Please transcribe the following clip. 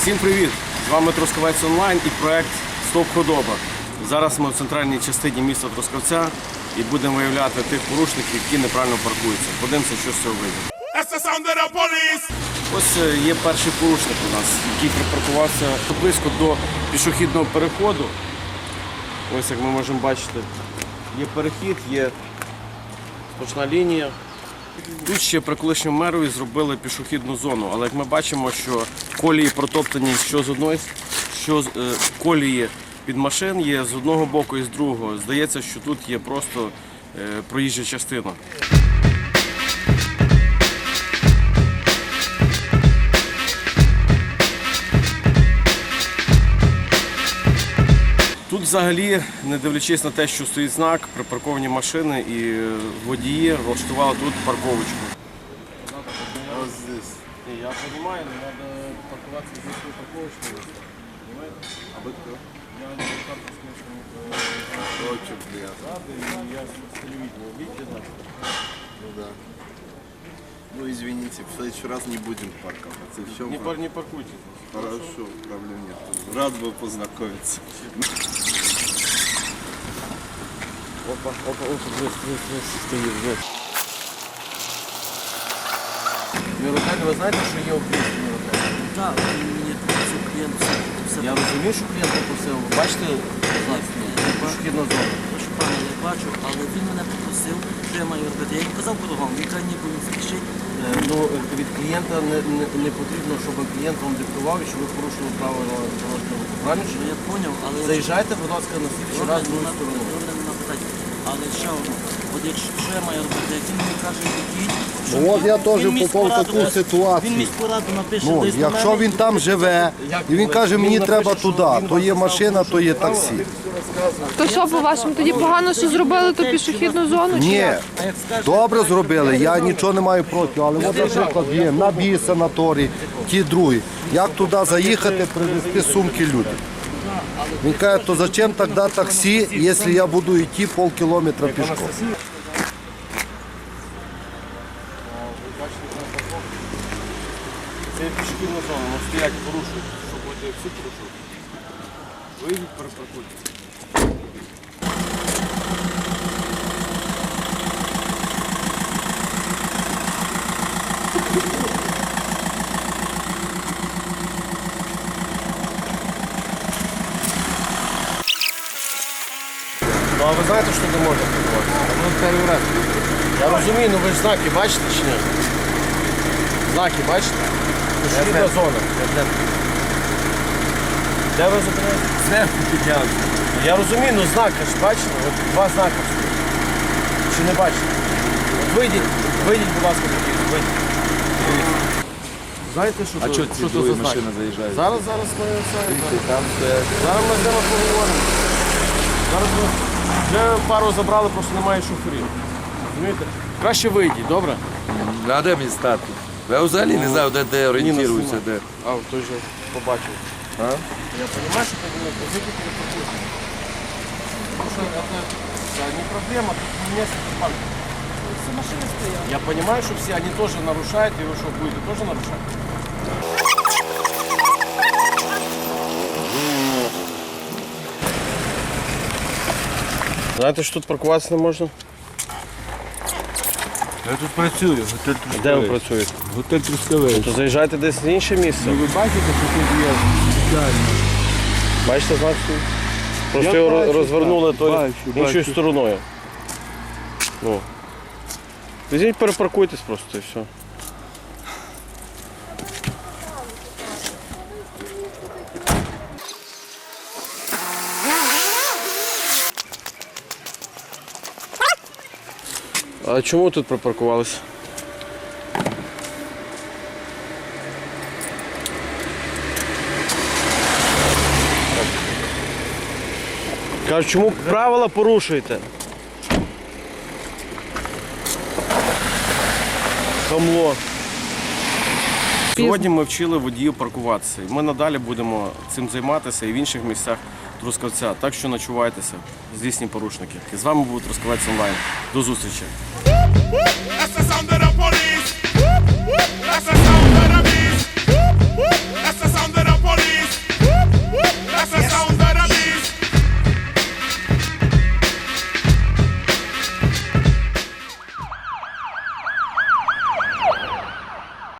Всім привіт! З вами Трускавець онлайн і проект Стоп Худоба. Зараз ми в центральній частині міста Трускавця і будемо виявляти тих порушників, які неправильно паркуються. Подивимося, що з цього вийде. Ось є перший порушник у нас, який припаркувався близько до пішохідного переходу. Ось як ми можемо бачити, є перехід, є сплошна лінія. Тут ще при колишньому мерові зробили пішохідну зону, але як ми бачимо, що колії протоптані що з одної, що колії під машин є з одного боку і з другого. Здається, що тут є просто проїжджа частина. Тут взагалі, не дивлячись на те, що стоїть знак, припарковані машини і водії влаштували тут парковочку. Ось здесь. Я розумію, але треба паркуватися здесь на парковочку. Понимаете? А ви хто? Я не парковский, Против, блядь. я с телевидения. Видите, да? Ну да. Ну извините, в следующий раз не будем парковаться. В чем Не паркуйте. Хорошо, проблем нет. Рад был познакомиться. Опа, стоїть здесь. Міротель, ви знаєте, що є об'єкт Міротель? Так, мені попросив клієнт все. Я розумію, що клієнт попросив. Бачите, пішохідна зона. Прошу пане, я бачу, але він мене попросив, що я маю робити. Я йому казав кругом, він каже, ніби він спішить. Ну, від клієнта не потрібно, щоб клієнт вам диктував і щоб ви порушили правила дорожнього руху. Правильно? Ну, я зрозумів, але... Заїжджайте, будь ласка, на слідчий раз другою стороною. Добре, нема питань. Але ще одне, от якщо що я маю робити, як він мені каже, який... Ну от я теж попав в таку ситуацію. Він міськраду напише Ну, десь на якщо мене, він там живе, і він каже, мені треба туди, то є машина, то є таксі. То що, по-вашому, тоді погано, що зробили ту пішохідну зону? Чи Ні, як? А як скаже, добре зробили, я нічого не маю проти, але от, наприклад, є на бій санаторій, ті другі. Як туди заїхати, привезти сумки людям? Він каже, то зачем тоді таксі, якщо я буду йти півкілометра пішком? Це є пішохідна зона, воно стоять, порушують. Що будете всі порушувати? Вийдіть, перепаркуйте. Ну а ви знаєте, що не можна паркуватися? Ну, перший раз. Я розумію, ну ви ж знаки бачите чи ні? Знаки бачите? Пішохідна зона. Де ви зупиняєтесь? Я розумію, ну знаки ж бачите? От два знаки. Чи не бачите? От вийдіть, будь ласка, вийдіть. Знаєте, що А це, що ці це другі за знаки? машини заїжджають? Зараз ми це. Там стоять. Зараз ми з ними поговоримо. Зараз ми вже пару забрали, просто немає шоферів. Розумієте? Краще вийдіть, добре? А де мені стати? Я взагалі не знаю, де орієнтуюся, де. А, той же побачив. А? Я розумію, що ти не позицію перепаркуєш. Тому що це не проблема, тут не место парк. всі машини стоять. Я понимаю, что все они тоже нарушают, и вы что, будете тоже нарушать? Знаєте, що тут паркуватися не можна? Я тут працюю, готель Трускавець. Де ви працюєте? Готель Трускавець. То заїжджайте десь в інше місце. Ну ви бачите, що тут є спеціально? Бачите, знак? Просто Я його бачу, розвернули так, то бачу, іншою бачу. стороною. Ну. Візьміть, перепаркуйтесь просто і все. А чому тут припаркувалися? Кажуть, чому правила порушуєте? Хамло. Сьогодні ми вчили водіїв паркуватися. І ми надалі будемо цим займатися і в інших місцях Трускавця. Так що ночувайтеся, злісні порушники. І з вами був Трускавець онлайн. До зустрічі. That's the sound of the police.